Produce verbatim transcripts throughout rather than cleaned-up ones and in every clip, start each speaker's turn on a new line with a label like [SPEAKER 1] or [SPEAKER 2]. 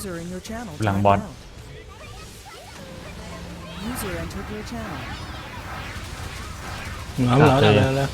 [SPEAKER 1] User in your channel
[SPEAKER 2] หลัง
[SPEAKER 1] timed
[SPEAKER 2] บอส
[SPEAKER 1] out. User entered your channel.
[SPEAKER 3] เอาแล้วแล้วแล้วแล้ว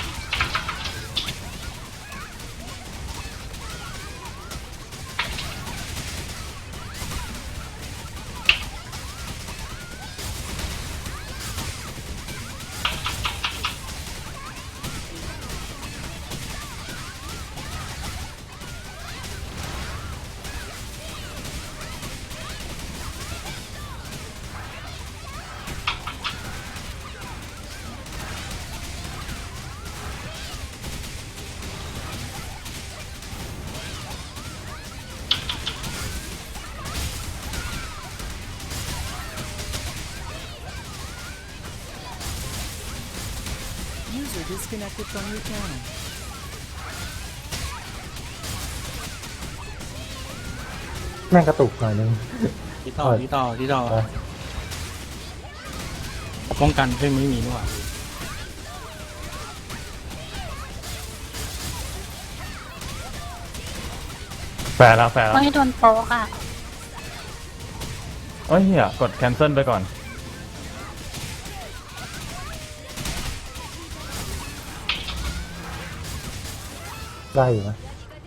[SPEAKER 1] User disconnected from your channel.
[SPEAKER 4] แม่งกระตุกหน่อยนึง
[SPEAKER 3] ที่ต่อ
[SPEAKER 4] เออ
[SPEAKER 3] ที่ต่อที่ต่อ
[SPEAKER 4] เออ
[SPEAKER 3] ป้องกันเพิ่งไม่มีนี่หว่า
[SPEAKER 2] แฟร์แล้วแฟร์แล้ว
[SPEAKER 5] ไม่โดนโป๊กอ่ะ
[SPEAKER 2] เอ้ยเฮียกด cancel ไปก่อน
[SPEAKER 4] ได้อยู่นะ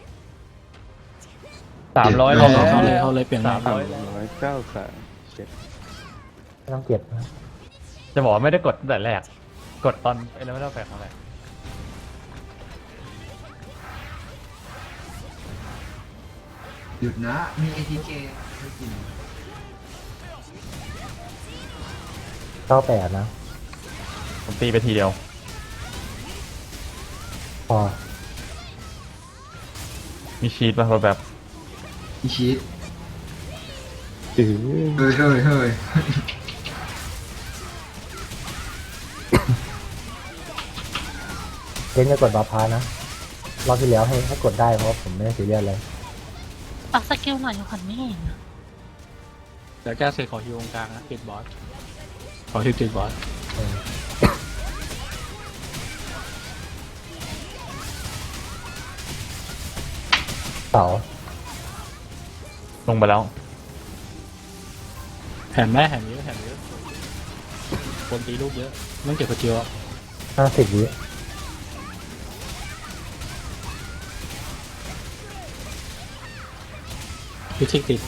[SPEAKER 2] สามร้อย
[SPEAKER 3] เขา
[SPEAKER 2] แล้ว
[SPEAKER 3] เขาเลยเขาเลยเปลี่ยน
[SPEAKER 2] สาม
[SPEAKER 3] ใหม่
[SPEAKER 2] ร้อย
[SPEAKER 6] ร้อยเก้าสามเจ็ด
[SPEAKER 4] ไม่ต้องเก็บนะ
[SPEAKER 2] จะบอกว่าไม่ได้กดตั้งแต่แรก กดตอนไอ้แล้วไม่ได้แฟร์ครั้งแรก
[SPEAKER 7] หยุดนะ มี เอ ที เค ไม่กิน
[SPEAKER 4] เก้าแปดนะ
[SPEAKER 2] ผมตีไปทีเดียว
[SPEAKER 4] พอ
[SPEAKER 2] มีชีตป่ะแบบ
[SPEAKER 7] อีชีต
[SPEAKER 6] อือ
[SPEAKER 7] เฮ้ยเฮ้ยเฮ้ย
[SPEAKER 4] เล่นจะกดบาพานะรอบที่แล้วให้ให้กดได้เพราะว่าผมไม่ได้ซีเรียสเลย
[SPEAKER 5] ปักสกิลหน่อยขวัญไม่เห็นอะ
[SPEAKER 3] เดี๋ยวแก้เสร็จขอฮิวตรงกลางนะติดบอสขอฮิวติดบอส
[SPEAKER 4] เออเสา
[SPEAKER 2] ลงไปแล้ว
[SPEAKER 3] แผ่นแม่แผ่นเยอะแผ่นเยอะคนตีลูกเยอะต้องเก็บกระเจียวอะ
[SPEAKER 4] ห้าสิบวิ
[SPEAKER 3] พิชิกติด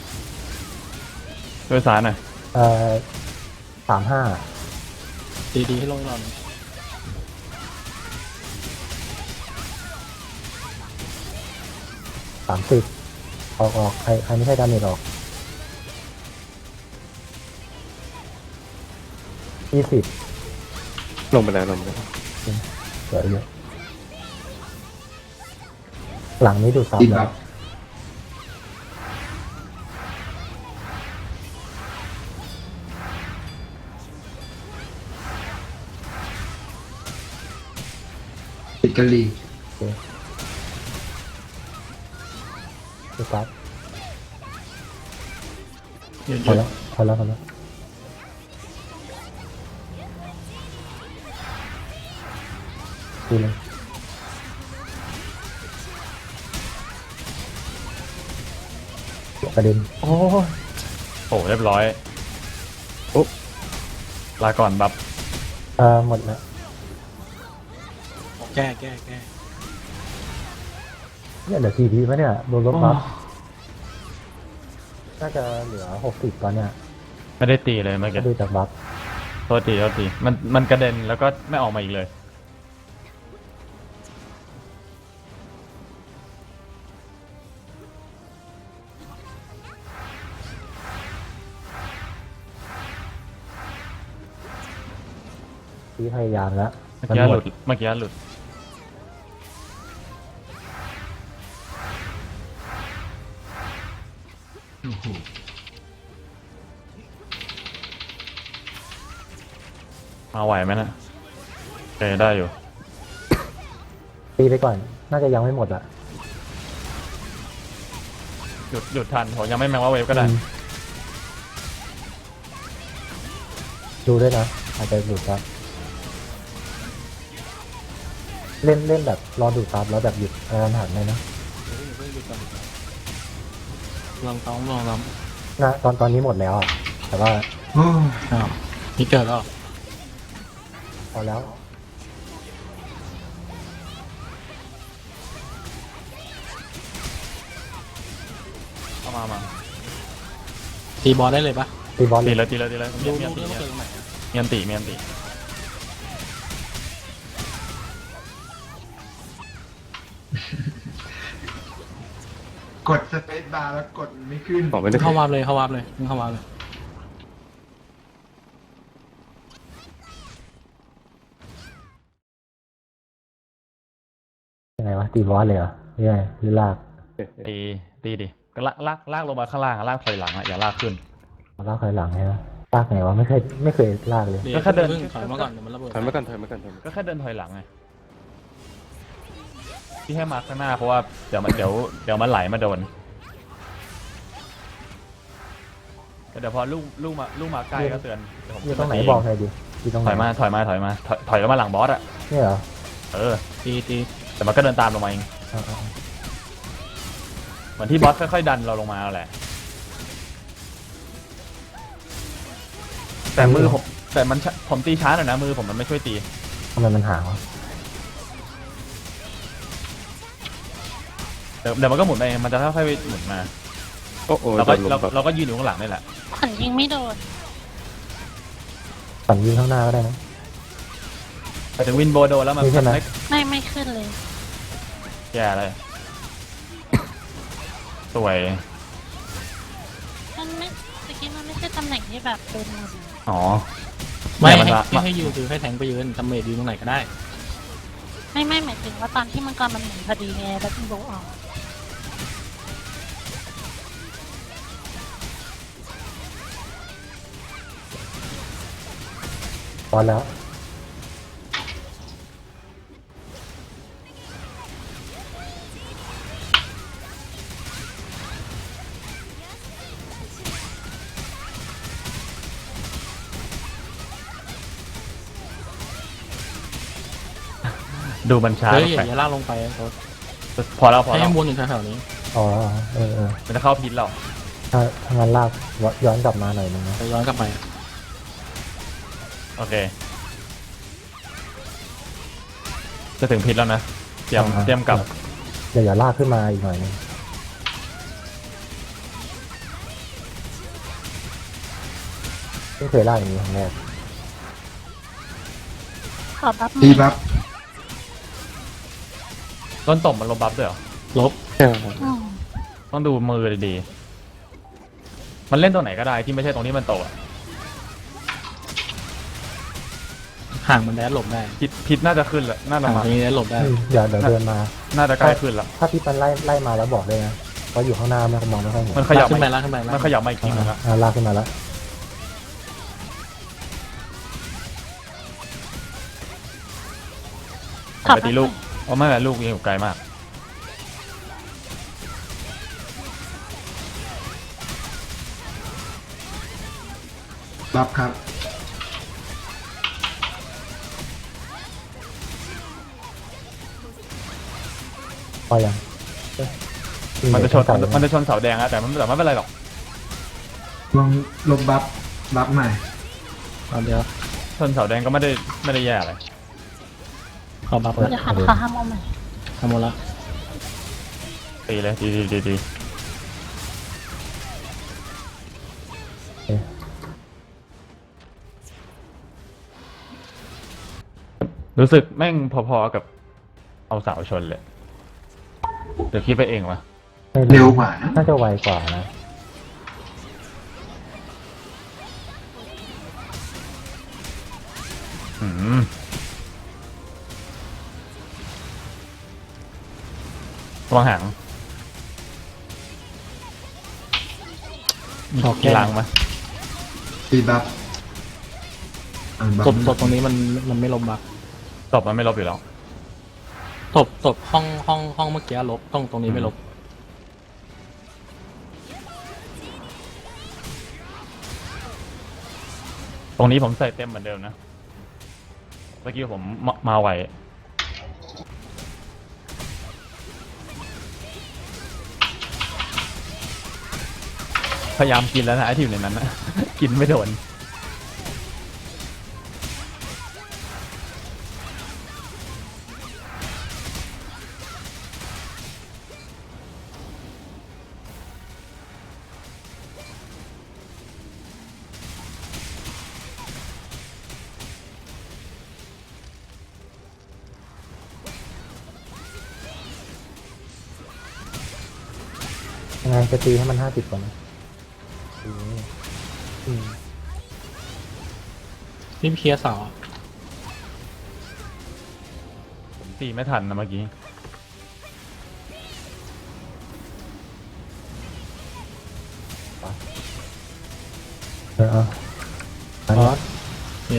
[SPEAKER 2] ด้วยซ้ายหน่อย
[SPEAKER 4] เอ่อสามห้า
[SPEAKER 3] ตีดีให้ลงหน่อย
[SPEAKER 4] สามสิบออกออกใครใครไม่ใช่ดาเมจออกยี่สิบ
[SPEAKER 6] ลงไปแล้วลงไปแล้ว
[SPEAKER 4] เหลือเยอะหลังนี้ดูซับ
[SPEAKER 7] ติด
[SPEAKER 4] แล้
[SPEAKER 7] บั
[SPEAKER 4] ว
[SPEAKER 7] ฟติดกะลี
[SPEAKER 4] ดูซับ
[SPEAKER 3] เยอะ
[SPEAKER 4] พอแล้วพอแล้วพอแล้วดูเลยประเด็น
[SPEAKER 2] โอ้โหเรียบร้อยอุ๊บลาก่อนบัฟ
[SPEAKER 4] เอ่อหมดแล้ว
[SPEAKER 3] แก้แก้แก้
[SPEAKER 4] เนี่ยเหลือกี่ทีไหมเนี่ยโดนลบบัฟน่าจะเหลือหกสิบตอนเนี้ย
[SPEAKER 2] ไม่ได้ตีเลยเมื่อ
[SPEAKER 4] ถ้า
[SPEAKER 2] กี้
[SPEAKER 4] ดูจากบัฟ
[SPEAKER 2] โทษทีโทษทีมันมันกระเด็นแล้วก็ไม่ออกมาอีกเลย
[SPEAKER 4] ที่พยายามแล้ว
[SPEAKER 2] เมื่อ
[SPEAKER 4] มัน
[SPEAKER 2] กี้
[SPEAKER 4] หม
[SPEAKER 2] ห
[SPEAKER 4] ด
[SPEAKER 2] ลุดเมื่อกี้หลุดมาไหวไหมนะโอเคได้อยู่
[SPEAKER 4] ตีไปก่อน น่าจะยังไม่หมดอ่ะ
[SPEAKER 2] หยุดหยุดทันผมยังไม่แมงว่าเวฟก็ได้
[SPEAKER 4] อืมดูด้วยนะ อาจจะหลุดครับเล่นเล่นแบบรอดูดซับแล้วแบบหยุดกระทันหันเลยนะ
[SPEAKER 3] เดี๋ยวเพิ่งหยุดก่อนลองต้องลองลอง
[SPEAKER 4] นะตอนตอนนี้หมดแล้วอะแต่ว่า
[SPEAKER 7] โอ้
[SPEAKER 3] อ้าวนี่เกิดแล้ว
[SPEAKER 4] พอแล้ว
[SPEAKER 2] เอามามา
[SPEAKER 3] ตีบอลได้เลยปะ
[SPEAKER 4] ตีบอลเล
[SPEAKER 2] ตี
[SPEAKER 4] ย
[SPEAKER 2] เลยตีเลยตีเลย
[SPEAKER 3] ดู
[SPEAKER 2] เมียน
[SPEAKER 3] ดู
[SPEAKER 2] ตี
[SPEAKER 3] เรื่องว่าเกิดตรงไหนอะ
[SPEAKER 2] เมียนตีเมียนตี
[SPEAKER 7] กดสเปซบาร์แล้วกดไม่ขึ้น
[SPEAKER 6] บอกไม่ได้
[SPEAKER 3] เข้าวาร์ปเลยเข้าวาร์ปเลยมึงเข้าวาร์ปเลย
[SPEAKER 4] ยังไงวะตีบอลเลยเหรอหรือไงหรือลาก
[SPEAKER 2] ตีตีดิก็ลากลากลากลงมาข้างล่างอะลากถอยหลังอะอย่าลากขึ้น
[SPEAKER 4] ลากถอยหลังใช่ไหมลากไงวะไม่เคยไม่เคยลากเลย
[SPEAKER 3] เดี๋ยว
[SPEAKER 2] ก็แค่เดิน
[SPEAKER 3] พิ่งถอยมาก่อนเดี๋ยวมันระเบิด
[SPEAKER 6] ถอยมากันถอยมากันถอยมากัน
[SPEAKER 2] ก็แค่เดินถอยหลังไงที่ให้มาข้างหน้าเพราะว่าเดี๋ยวมันเดี๋ยวเดี๋ยวมันไหลมาโดนแต่เดี๋ยวพอลูกลูกมาลูกมาใกล้ก็เตือนเดี๋ยวผม
[SPEAKER 4] อยู่ตร
[SPEAKER 2] ขึ้
[SPEAKER 4] ง
[SPEAKER 2] น
[SPEAKER 4] ไหน
[SPEAKER 2] มาตี
[SPEAKER 4] บอกหน่อยดิอยู่ตรงไห
[SPEAKER 2] ถ
[SPEAKER 4] น
[SPEAKER 2] อยมาถอยมาถอยมาถอยถอยลงมาหลังบอสอะ
[SPEAKER 4] เนี่ยเหรอ
[SPEAKER 2] เออ
[SPEAKER 3] ตีตี
[SPEAKER 2] แต่มันก็เดินตามลงมาเอง
[SPEAKER 4] อ่า
[SPEAKER 2] เหมือนที่บอสค่อยๆดันเราลงมาแหละแต่มือผมแต่มันช้าผมตีช้าหน่อยนะมือผมมันไม่ช่วยตี
[SPEAKER 4] ๆทำไมมันห่างวะ
[SPEAKER 2] เดี๋ยวเดี๋ยวมันก็หมุนไปเองมันจะค่อยๆหมุนมา
[SPEAKER 6] โอ้โห
[SPEAKER 2] เราก็
[SPEAKER 6] โดนล
[SPEAKER 2] เรา
[SPEAKER 6] มแบบ
[SPEAKER 2] เราก็ยืนอยู่ข้างหลังนี่แหละ
[SPEAKER 5] ขวัญยิงไม่โดน
[SPEAKER 4] ปั่นยิงข้างหน้าก็ได้นะ
[SPEAKER 2] แต่ถึงวินโบโดแล้วมัน
[SPEAKER 4] นี่ใช่ไหม
[SPEAKER 2] ไม่
[SPEAKER 5] ไม่ไม่ขึ้นเลย
[SPEAKER 2] แย่เลยสวย
[SPEAKER 5] มันไม่ตะกี้มันไม่ใช่ตำแหน่งที่แบบเป็น
[SPEAKER 2] อ๋อ
[SPEAKER 3] ไม่
[SPEAKER 2] เนี่ยมัน
[SPEAKER 3] ให้
[SPEAKER 2] ละ
[SPEAKER 3] ให้ให้ยืนคือให้แทงไปยืนทำเมดยืนตรงไหนก็ได้
[SPEAKER 5] ไม่ไม่หมายถึงว่าตอนที่มังกรมันหมุนพอดีไงแล้วมันโบออก
[SPEAKER 4] บอลแล้ว
[SPEAKER 2] ดูมันช้า
[SPEAKER 3] เฮ้ยอ
[SPEAKER 2] ไป
[SPEAKER 3] ย่าอย่าลากลงไปโอ๊ต
[SPEAKER 2] พอแล้วพอ
[SPEAKER 3] ให้
[SPEAKER 2] แล้ว
[SPEAKER 3] มันวนอยู่แถวๆนี้
[SPEAKER 4] อ๋อเออเออ
[SPEAKER 2] มันจะเข้าพิษเรา
[SPEAKER 4] ถ้าถ้างั้นลากย้อนกลับมาหน่อยนึงนะ
[SPEAKER 3] ไปย้อนกลับไป
[SPEAKER 2] โอเค จะถึงพิษแล้วนะเตรียมเตรียมกลับ
[SPEAKER 4] เดี๋ยวอย่าลากขึ้นมาอีกหน่อยนึงไม่เคยลากอย่างนี้ครั้งแรก
[SPEAKER 5] ขอบัฟ
[SPEAKER 7] ตีบัฟ
[SPEAKER 2] ต้นตบมันลบบัฟด้วยเหรอ
[SPEAKER 3] ลบ
[SPEAKER 6] ใช่
[SPEAKER 5] อืม
[SPEAKER 2] ต้องดูมือดีๆมันเล่นตรงไหนก็ได้ที่ไม่ใช่ตรงที่มันโตอะ
[SPEAKER 3] ห่างมันแดดหลบได้
[SPEAKER 2] พิษพิษน่าจะขึ้นแล้วน่าจะ
[SPEAKER 3] ห่าง
[SPEAKER 2] มา
[SPEAKER 3] ตรงนี้แดดหลบได้
[SPEAKER 4] อืมเดี๋ยวเดี๋ยวเดินมา
[SPEAKER 2] น่าจะใกล้ขึ้นแล้ว
[SPEAKER 4] ถ้าพี่ปันไล่ไล่มาแล้วบอกเลยนะเพราะอยู่ข้างหน้าไม่มองไม่ค่อยเห็น
[SPEAKER 2] มันขยับ
[SPEAKER 3] ลากขึ้นไป
[SPEAKER 2] มา
[SPEAKER 3] ลากขึ้นไปลาก
[SPEAKER 2] มันขยับมาอีกทีนึงแล้ว
[SPEAKER 4] อ่าลากขึ้นมาแล้ว
[SPEAKER 2] ผมไปตีลูกเพราะไม่เป็นลูกยังอยู่ไกลมาก
[SPEAKER 7] บัฟครับ
[SPEAKER 4] พอยังเอ๊ะ
[SPEAKER 2] มันจะชน
[SPEAKER 4] ใส่
[SPEAKER 2] มันจะชนเสาแดงอะแต่มันแต่ไม่เป็นไรหรอก
[SPEAKER 7] ลองลบบัฟบัฟใหม่
[SPEAKER 3] เอาเดียว
[SPEAKER 2] ชนเสาแดงก็ไม่ได้ไม่ได้แย่อะไร
[SPEAKER 3] ขอบัฟแล้ว
[SPEAKER 5] เดี๋ยวหันขาห้ามเอาใหม่
[SPEAKER 3] ทำหมดละ
[SPEAKER 2] ตีเลยตีตีตีตี
[SPEAKER 4] เอ๊ะ
[SPEAKER 2] รู้สึกแม่งพอๆกับเอาเสาชนเลยเดี๋ยวคิดไปเองวะ
[SPEAKER 4] ไม่
[SPEAKER 7] เร็วกว่านะ
[SPEAKER 4] น่าจะไวกว่านะ
[SPEAKER 2] อืมระวังหาง
[SPEAKER 3] ขอ
[SPEAKER 2] กี
[SPEAKER 3] แก้
[SPEAKER 2] ฬางมา
[SPEAKER 7] ตีบัฟอ่านบัฟ
[SPEAKER 3] ศพศพตรงนี้มันมันไม่ลบบัฟ
[SPEAKER 2] ตบมันไม่ลบอยู่แล้ว
[SPEAKER 3] ศพศพห้องห้องห้องเมื่อกี้ลบตรงตรงนี้ไม่ลบ
[SPEAKER 2] ตรงนี้ผมใส่เต็มเหมือนเดิมนะเมื่อกี้ผมมามาไวพยายามกินแล้วนะไอที่อยู่ในนั้นนะ กินไม่โดน
[SPEAKER 4] ยังไงจะตีให้มันห้าสิบก่อนนะอืมอืม
[SPEAKER 3] นี่เคลียร์เสา
[SPEAKER 2] ผมตีไม่ทันนะเมื่อกี้
[SPEAKER 4] เออเอาอัน
[SPEAKER 3] บ
[SPEAKER 4] นี้
[SPEAKER 3] อสนี่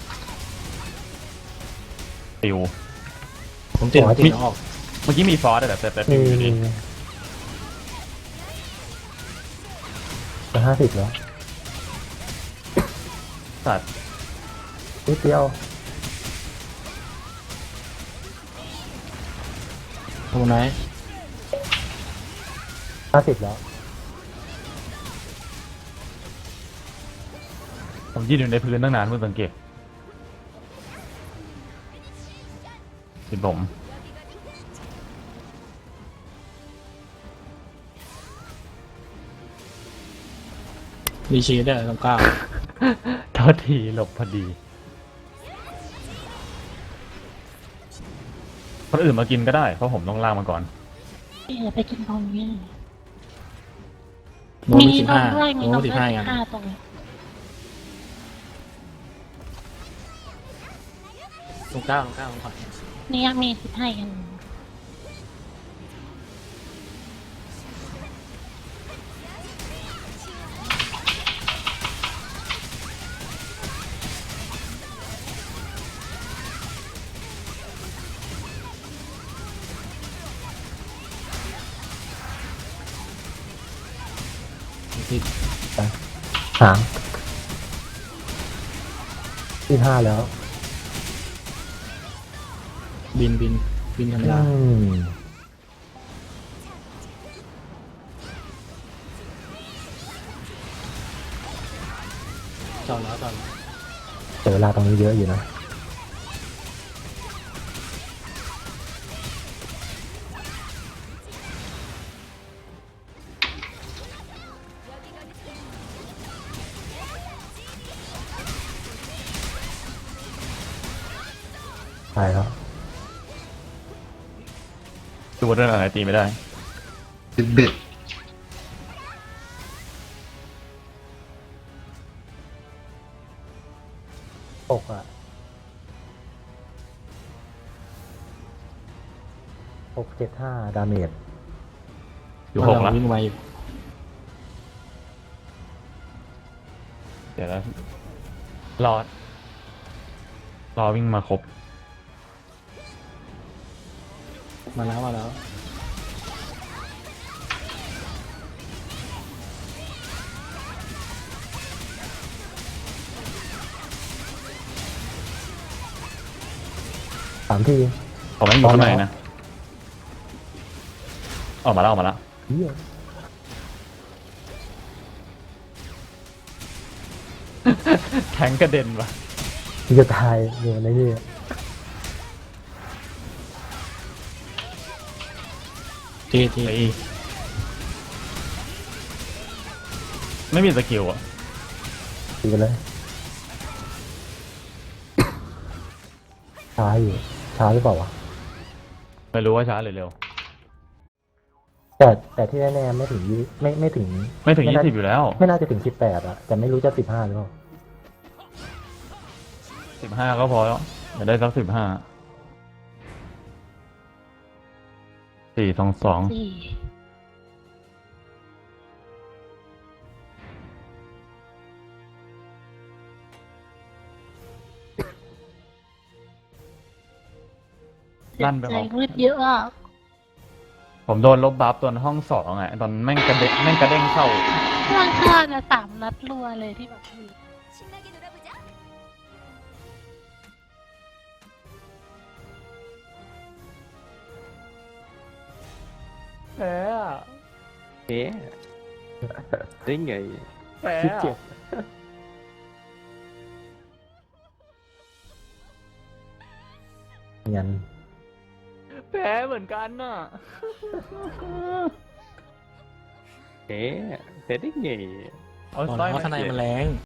[SPEAKER 2] ติว
[SPEAKER 3] ผมติดผมติดออก
[SPEAKER 2] เมื่อกี้มีฟอสแต่แต่แต่ติ
[SPEAKER 4] มี
[SPEAKER 2] วอยู่ดี
[SPEAKER 4] มีจะห้าสิบแล้ว
[SPEAKER 2] สัตว์
[SPEAKER 4] นิดเดียว
[SPEAKER 3] ตรงไหน
[SPEAKER 4] ห้าสิบแล้ว
[SPEAKER 2] ผมยืนอยู่ในพื้นตั้งนานเพิ่งสังเกตติดผม
[SPEAKER 3] รีชีได้ตรงกลาง
[SPEAKER 2] โทษทีหลบพอดีคนอื่นมากินก็ได้เพราะผมต้องล่างมาก่อน
[SPEAKER 5] เดี๋ยวไปกินตรงนี้
[SPEAKER 3] โน้ต
[SPEAKER 5] มี
[SPEAKER 3] มีสิบ
[SPEAKER 5] น
[SPEAKER 3] ห้าม
[SPEAKER 5] ด้วยมี
[SPEAKER 3] โน้
[SPEAKER 5] น
[SPEAKER 3] ต
[SPEAKER 5] ม
[SPEAKER 3] สิ
[SPEAKER 5] ด้
[SPEAKER 3] บ
[SPEAKER 5] วย
[SPEAKER 3] ห้า
[SPEAKER 5] สิ
[SPEAKER 3] กัน
[SPEAKER 5] บห้าตรงนี้
[SPEAKER 3] ตรงกลางตรงกลางตรงขวา
[SPEAKER 5] นี่ยังมีสิบห้ากัน
[SPEAKER 3] ติด
[SPEAKER 4] หางที่ห้าแล้ว
[SPEAKER 3] บินบินบินธรรม
[SPEAKER 4] อื
[SPEAKER 3] ดาม จอดแล้วจอดแล้ว
[SPEAKER 4] เจอเวลาตรงนี้เยอะอยู่นะ ตายแล้ว
[SPEAKER 2] ดูว่าเรื่องอะไรตีไม่ได้
[SPEAKER 7] ติดเบ็ด
[SPEAKER 4] หกอ่ะหกเจ็ดห้าดาเมจ
[SPEAKER 2] อยู่หกแล้ว
[SPEAKER 3] วิ่งไวอยู่
[SPEAKER 2] เดี๋ยวแล้วรอรอวิ่งมาครบ
[SPEAKER 3] มาแล้วมาแล้ว
[SPEAKER 4] สามที
[SPEAKER 2] ผมไม่อยู่ข้างใน
[SPEAKER 4] เอาแล้ว
[SPEAKER 2] นะออกมาแล้วออกมาแล้ว
[SPEAKER 4] เฮีย
[SPEAKER 2] แทงกระเด็นว่ะ
[SPEAKER 4] ที่จะตายอยู่ในนี่
[SPEAKER 3] ทีที
[SPEAKER 2] ไอ้ไม่มีสกิลอ่ะ
[SPEAKER 4] ตีไปเลยช้าอยู่ช้าหรือเปล่าวะ
[SPEAKER 2] ไม่รู้ว่าช้าหรือเร็ว
[SPEAKER 4] แต่แต่ที่แน่ๆไม่ถึงยี่ไม่ไม่ถึง
[SPEAKER 2] ไม่ถึง
[SPEAKER 4] น่า
[SPEAKER 2] ยี่สิบอยู่แล้ว
[SPEAKER 4] ไม่น่าจะถึงสิบแปดอะแต่ไม่รู้จะสิบห้าหรือเปล่า
[SPEAKER 2] สิบห้าก็พอแล้วอย่าได้สักสิบห้าสี่สองสอง
[SPEAKER 5] สี่
[SPEAKER 2] ลั่นไป
[SPEAKER 5] ใจ
[SPEAKER 2] ออก
[SPEAKER 5] มืดเยอะอ่ะ
[SPEAKER 2] ผมโดนลบบัฟตอนห้องสองไงตอนแม่งกระเด็นแม่งกระเด้งเข้า
[SPEAKER 5] ข้างข้างอะสามนัดรัวเลยที่แบบ
[SPEAKER 2] แพ้
[SPEAKER 6] เอ๊ะได้ไง
[SPEAKER 2] แพ้
[SPEAKER 4] คิดเจ็บยัน
[SPEAKER 2] แพ้เหมือนกันน่ะ
[SPEAKER 6] เอ๊ะแต่ได้ไง
[SPEAKER 2] เอา
[SPEAKER 3] บอก
[SPEAKER 2] สร้
[SPEAKER 3] แล้
[SPEAKER 2] อยว
[SPEAKER 3] ว่า
[SPEAKER 2] มา
[SPEAKER 3] ทนายมันแรง